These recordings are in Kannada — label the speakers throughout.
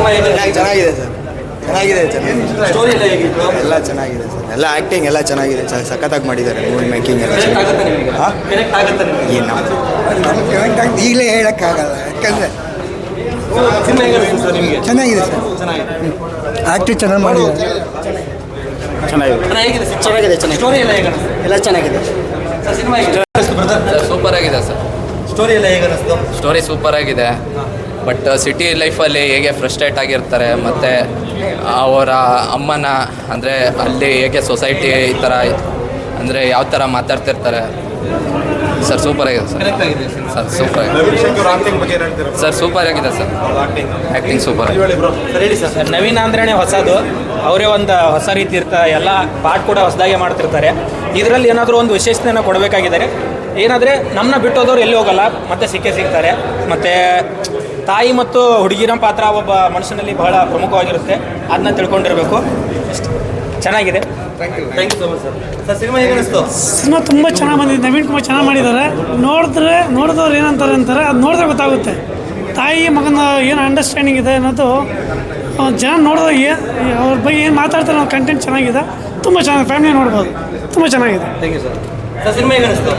Speaker 1: ಸಿನಿಮಾ
Speaker 2: ಚೆನ್ನಾಗಿದೆ ಸರ್, ಚೆನ್ನಾಗಿದೆ ಸರ್.
Speaker 1: ಸ್ಟೋರಿ ಎಲ್ಲ ಹೇಗಿತ್ತು?
Speaker 2: ಎಲ್ಲ ಚೆನ್ನಾಗಿದೆ ಸರ್, ಎಲ್ಲ ಆ್ಯಕ್ಟಿಂಗ್ ಎಲ್ಲ ಚೆನ್ನಾಗಿದೆ ಸರ್, ಸಖತ್ತಾಗಿ ಮಾಡಿದ್ದಾರೆ. ಮೂವಿ ಮೇಕಿಂಗ್ ಎಲ್ಲ
Speaker 1: ಕನೆಕ್ಟ್ ಆಗುತ್ತೆ ನಿಮಗೆ? ಕನೆಕ್ಟ್ ಆಗುತ್ತೆ ನಿಮಗೆ?
Speaker 2: ಏನು ಈಗಲೇ ಹೇಳೋಕ್ಕಾಗಲ್ಲ, ಯಾಕಂದರೆ
Speaker 1: ಸಿನಿಮಾ ಹೇಗೆ ಅನಿಸ್ತು ಸರ್ ನಿಮಗೆ?
Speaker 2: ಚೆನ್ನಾಗಿದೆ ಸರ್,
Speaker 1: ಚೆನ್ನಾಗಿದೆ.
Speaker 2: ಆ್ಯಕ್ಟಿಂಗ್ ಚೆನ್ನಾಗಿ ಮಾಡಿದ್ದಾರೆ. ಚೆನ್ನಾಗಿದೆ,
Speaker 1: ಹೇಗಿದೆ
Speaker 2: ಚೆನ್ನಾಗಿದೆ, ಚೆನ್ನಾಗಿದೆ.
Speaker 1: ಸ್ಟೋರಿ ಎಲ್ಲ ಹೇಗೆ ಅನಿಸ್ತು?
Speaker 2: ಎಲ್ಲ ಚೆನ್ನಾಗಿದೆ
Speaker 1: ಸರ್ ಸಿನಿಮಾ ಹೇಗೆ ಅನಿಸ್ತು ಬ್ರದರ್?
Speaker 3: ಸೂಪರ್ ಆಗಿದೆ ಸರ್.
Speaker 1: ಸ್ಟೋರಿ ಎಲ್ಲ ಹೇಗೆ ಅನಿಸ್ತು?
Speaker 3: ಸ್ಟೋರಿ ಸೂಪರ್ ಆಗಿದೆ. ಬಟ್ ಸಿಟಿ ಲೈಫಲ್ಲಿ ಹೇಗೆ ಫ್ರಸ್ಟ್ರೇಟ್ ಆಗಿರ್ತಾರೆ ಮತ್ತು ಅವರ ಅಮ್ಮನ ಅಂದರೆ ಅಲ್ಲಿ ಹೇಗೆ ಸೊಸೈಟಿ ಈ ಥರ ಅಂದರೆ ಯಾವ ಥರ ಮಾತಾಡ್ತಿರ್ತಾರೆ ಸರ್. ಸೂಪರ್ ಆಗಿದೆ ಸರ್.
Speaker 1: ಕನೆಕ್ಟ್ ಆಗಿದೆ
Speaker 3: ಸರ್ ಸೂಪರ್ ಆಗಿದೆ ಸರ್. ಸೂಪರ್ ಆಗಿದೆ ಸರ್, ಆ್ಯಕ್ಟಿಂಗ್ ಸೂಪರ್ ಆಗಿದೆ.
Speaker 1: ಸರ್ ಹೇಳಿ ಸರ್.
Speaker 4: ನವೀನ್ ಅಂದ್ರೇ ಹೊಸದು, ಅವರೇ ಒಂದು ಹೊಸ ರೀತಿ ಎಲ್ಲ ಪಾಠ ಕೂಡ ಹೊಸದಾಗೆ ಮಾಡ್ತಿರ್ತಾರೆ. ಇದರಲ್ಲಿ ಏನಾದರೂ ಒಂದು ವಿಶೇಷತೆಯನ್ನು ಕೊಡಬೇಕಾಗಿದ್ದಾರೆ. ಏನಾದರೆ ನಮ್ಮನ್ನ ಬಿಟ್ಟೋದವ್ರು ಎಲ್ಲಿ ಹೋಗಲ್ಲ, ಮತ್ತೆ ಸಿಕ್ಕೇ ಸಿಗ್ತಾರೆ. ಮತ್ತು ತಾಯಿ ಮತ್ತು ಹುಡುಗಿರ ಪಾತ್ರ ಒಬ್ಬ ಮನುಷ್ಯನಲ್ಲಿ ಬಹಳ ಪ್ರಮುಖವಾಗಿರುತ್ತೆ, ಅದನ್ನ ತಿಳ್ಕೊಂಡಿರಬೇಕು. ಚೆನ್ನಾಗಿದೆ.
Speaker 1: Thank you so much sir. Sir cinema ಹೇಗೆ ಅನಿಸ್ತು?
Speaker 5: ಸಿನಿಮಾ ತುಂಬ ಚೆನ್ನಾಗಿ ಬಂದಿದೆ. ನವೀನ್ ಕುಮಾರ್ ಚೆನ್ನಾಗಿ ಮಾಡಿದ್ದಾರೆ. ನೋಡಿದವ್ರು ಏನಂತಾರೆ ಅದು ನೋಡಿದ್ರೆ ಗೊತ್ತಾಗುತ್ತೆ. ತಾಯಿ ಮಗನ ಏನು ಅಂಡರ್ಸ್ಟ್ಯಾಂಡಿಂಗ್ ಇದೆ ಅನ್ನೋದು ಜನ ನೋಡಿದ್ರೆ ಅವ್ರ ಬಗ್ಗೆ ಏನು ಮಾತಾಡ್ತಾರೆ ಅನ್ನೋ ಕಂಟೆಂಟ್ ಚೆನ್ನಾಗಿದೆ. ತುಂಬ ಚೆನ್ನಾಗಿ ಫ್ಯಾಮಿಲಿ ನೋಡ್ಬೋದು, ತುಂಬ ಚೆನ್ನಾಗಿದೆ.
Speaker 1: Thank you sir. Sir cinema ಹೇಗೆ ಅನಿಸ್ತು?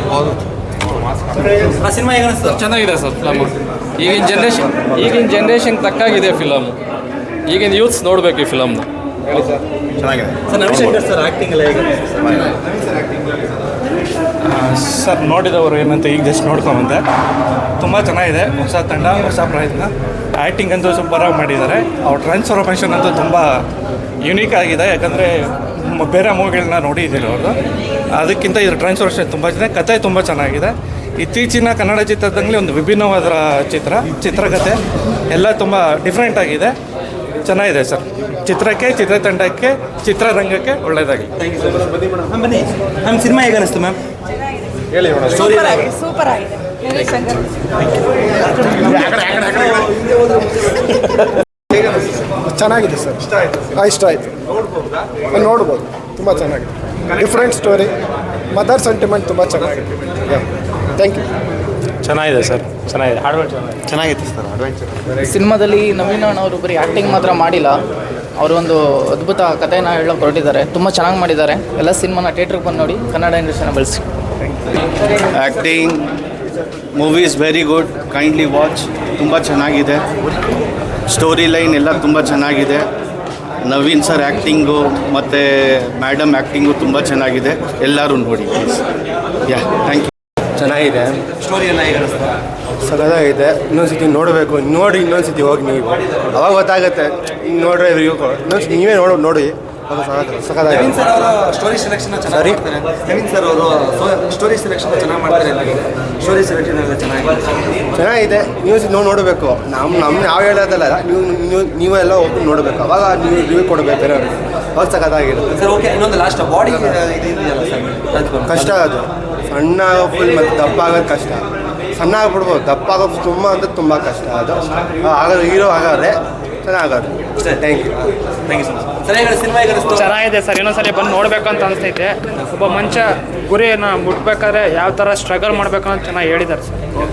Speaker 1: ಆ ಸಿನಿಮಾ ಹೇಗೆ ಅನಿಸ್ತು?
Speaker 6: ಚೆನ್ನಾಗಿದೆ ಸರ್ ಫಿಲಮ್. ಈಗಿನ ಜನ್ರೇಷನ್ ತಕ್ಕಾಗಿದೆ ಫಿಲಮ್. ಈಗಿನ ಯೂತ್ಸ್ ನೋಡಬೇಕು ಈ ಫಿಲಮ್ನ.
Speaker 2: ಚೆನ್ನಾಗಿದೆ
Speaker 1: sir Naveen Shankar sir acting ಎಲ್ಲ ಹೇಗೆ ಅನಿಸ್ತು
Speaker 7: ಸರ್? ನೋಡಿದವರು ಏನಂತ ಈಗ ಜಸ್ಟ್ ನೋಡ್ಕೊಂಬಂದೆ. ತುಂಬ ಚೆನ್ನಾಗಿದೆ, ಹೊಸ ತಂಡ, ಹೊಸ ಪ್ರಯತ್ನ. ಆ್ಯಕ್ಟಿಂಗ್ ಅಂತೂ ಸೂಪರಾಗಿ ಮಾಡಿದ್ದಾರೆ. ಅವ್ರ ಟ್ರಾನ್ಸ್ಫಾರ್ಮೇಷನ್ ಅಂತೂ ತುಂಬ ಯುನೀಕ್ ಆಗಿದೆ. ಯಾಕಂದರೆ ಬೇರೆ ಮೂವಿಗಳನ್ನ ನೋಡಿದ್ದೀರಿ ಅವ್ರದ್ದು, ಅದಕ್ಕಿಂತ ಇದ್ರ ಟ್ರಾನ್ಸ್ಫಾರ್ಮೇಷನ್ ತುಂಬ ಚೆನ್ನಾಗಿದೆ. ಕತೆ ತುಂಬ ಚೆನ್ನಾಗಿದೆ. ಇತ್ತೀಚಿನ ಕನ್ನಡ ಚಿತ್ರದಲ್ಲಿ ಒಂದು ವಿಭಿನ್ನವಾದ ಚಿತ್ರಕಥೆ ಎಲ್ಲ ತುಂಬ ಡಿಫ್ರೆಂಟ್ ಆಗಿದೆ. ಚೆನ್ನಾಗಿದೆ ಸರ್. ಚಿತ್ರಕ್ಕೆ, ಚಿತ್ರತಂಡಕ್ಕೆ, ಚಿತ್ರರಂಗಕ್ಕೆ ಒಳ್ಳೆಯದಾಗಿ.
Speaker 1: Thank you so much. Ma'am ಬನ್ನಿ ಮ್ಯಾಮ್, ಸಿನಿಮಾ ಹೇಗೆ ಅನಿಸ್ತು ಮ್ಯಾಮ್?
Speaker 7: ಹೇಳಿ
Speaker 1: ಸ್ಟೋರಿ
Speaker 8: ಸೂಪರ್ ಆಗಿದೆ.
Speaker 2: ಚೆನ್ನಾಗಿದೆ ಸರ್, ಇಷ್ಟ ಆಯಿತು. ನೋಡ್ಬೋದು, ತುಂಬ ಚೆನ್ನಾಗಿದೆ. ಡಿಫ್ರೆಂಟ್ ಸ್ಟೋರಿ, ಮದರ್ ಸೆಂಟಿಮೆಂಟ್ ತುಂಬ ಚೆನ್ನಾಗಿದೆ. Thank you.
Speaker 7: ಚೆನ್ನಾಗಿದೆ ಸರ್, ಚೆನ್ನಾಗಿದೆ.
Speaker 2: ಚೆನ್ನಾಗಿತ್ತು ಸರ್ ಅಡ್ವೆಂಚರ್.
Speaker 9: ಸಿನಿಮಾದಲ್ಲಿ ನವೀನ್ ಅವರು ಬರೀ ಆ್ಯಕ್ಟಿಂಗ್ ಮಾತ್ರ ಮಾಡಿಲ್ಲ, ಅವರು ಒಂದು ಅದ್ಭುತ ಕಥೆನ ಹೇಳೋಕೆ ಹೊರಟಿದ್ದಾರೆ. ತುಂಬ ಚೆನ್ನಾಗಿ ಮಾಡಿದ್ದಾರೆ. ಎಲ್ಲ ಸಿನಿಮಾನ ಥಿಯೇಟ್ರಿಗೆ ಬಂದು ನೋಡಿ, ಕನ್ನಡ ಇಂಡಸ್ಟ್ರಿನ ಬೆಳೆಸಿ.
Speaker 10: Acting movie is very good, kindly watch. ತುಂಬ ಚೆನ್ನಾಗಿದೆ. ಸ್ಟೋರಿ ಲೈನ್ ಎಲ್ಲ ತುಂಬ ಚೆನ್ನಾಗಿದೆ. ನವೀನ್ ಸರ್ ಆ್ಯಕ್ಟಿಂಗು ಮತ್ತು ಮೇಡಮ್ ಆ್ಯಕ್ಟಿಂಗು ತುಂಬ ಚೆನ್ನಾಗಿದೆ. ಎಲ್ಲರೂ ನೋಡಿ ಪ್ಲೀಸ್. Thank you.
Speaker 2: ಚೆನ್ನಾಗಿದೆ,
Speaker 1: ಸ್ಟೋರಿ ಎಲ್ಲ ಹೇಗೆ ಅನಿಸ್ತು?
Speaker 2: ಸಖತ್ತಾಗಿದೆ. ಇನ್ನೊಂದ್ಸತಿ ನೋಡಬೇಕು, ನೋಡಿ ಇನ್ನೊಂದ್ಸತಿ ಹೋಗಿ ನೀವು, ಅವಾಗ ಗೊತ್ತಾಗುತ್ತೆ. ಹಿಂಗೆ ನೋಡ್ರೆ ಇನ್ನೊಂದ್ಸತಿ ನೀವೇ ನೋಡಿ. ಸಖತ್ತಾಗಿದೆ.
Speaker 1: ನವೀನ್ ಸರ್ ಅವರ ಸ್ಟೋರಿ ಸೆಲೆಕ್ಷನ್ ಚೆನ್ನಾಗಿ ಮಾಡ್ತಾರೆ. ನವೀನ್ ಸರ್ ಅವರು ಸ್ಟೋರಿ ಸೆಲೆಕ್ಷನ್ ಚೆನ್ನಾಗಿ ಮಾಡ್ತಾರೆ. ಸ್ಟೋರಿ ಸೆಲೆಕ್ಷನ್ ಎಲ್ಲ
Speaker 2: ಚೆನ್ನಾಗಿದೆ. ನೀವು ನೋಡಬೇಕು. ನಮ್ಮ ನಾವು ಹೇಳೋದಲ್ಲ, ನೀವೆಲ್ಲ ಹೋಗಿ ನೋಡಬೇಕು. ಅವಾಗ ನೀವು ರಿವ್ಯೂ ಕೊಡಬೇಕು ಬೇರೆಯವ್ರಿಗೆ. ಅವಾಗ ಸಖತ್ತಾಗಿರುತ್ತೆ
Speaker 1: ಸರ್. ಓಕೆ, ಇನ್ನೊಂದು ಲಾಸ್ಟ್ ಬಾಡಿ ಇದೆಯಲ್ಲ ಸರ್,
Speaker 2: ಕಷ್ಟ ಅದು. ಸಣ್ಣ ಫುಲ್ ಮತ್ತು ದಪ್ಪ ಆಗೋದು ಕಷ್ಟ. ಸಣ್ಣ ಆಗ್ಬಿಡ್ಬೋದು, ದಪ್ಪ ಆಗೋದು ತುಂಬ ಅಂದರೆ ತುಂಬ ಕಷ್ಟ. ಅದು ಆಗೋದು ಹೀರೋ ಆಗೋದೆ ಚೆನ್ನಾಗೋದು. Thank you.
Speaker 1: Thank you so much. Sir ಹೇಗೆ ಸಿನಿಮಾ ಹೇಗೆ ಅನಿಸ್ತು?
Speaker 5: ಚೆನ್ನಾಗಿದೆ ಸರ್. ಇನ್ನೊಂದ್ಸರಿ ಬಂದು ನೋಡಬೇಕು ಅಂತ ಅನಿಸ್ತೈತೆ. ಒಬ್ಬ ಮನುಷ್ಯ ಗುರಿಯನ್ನು ಮುಟ್ಬೇಕಾದ್ರೆ ಯಾವ ಥರ ಸ್ಟ್ರಗಲ್ ಮಾಡಬೇಕು ಅಂತ ಚೆನ್ನಾಗಿ ಹೇಳಿದ್ದಾರೆ ಸರ್.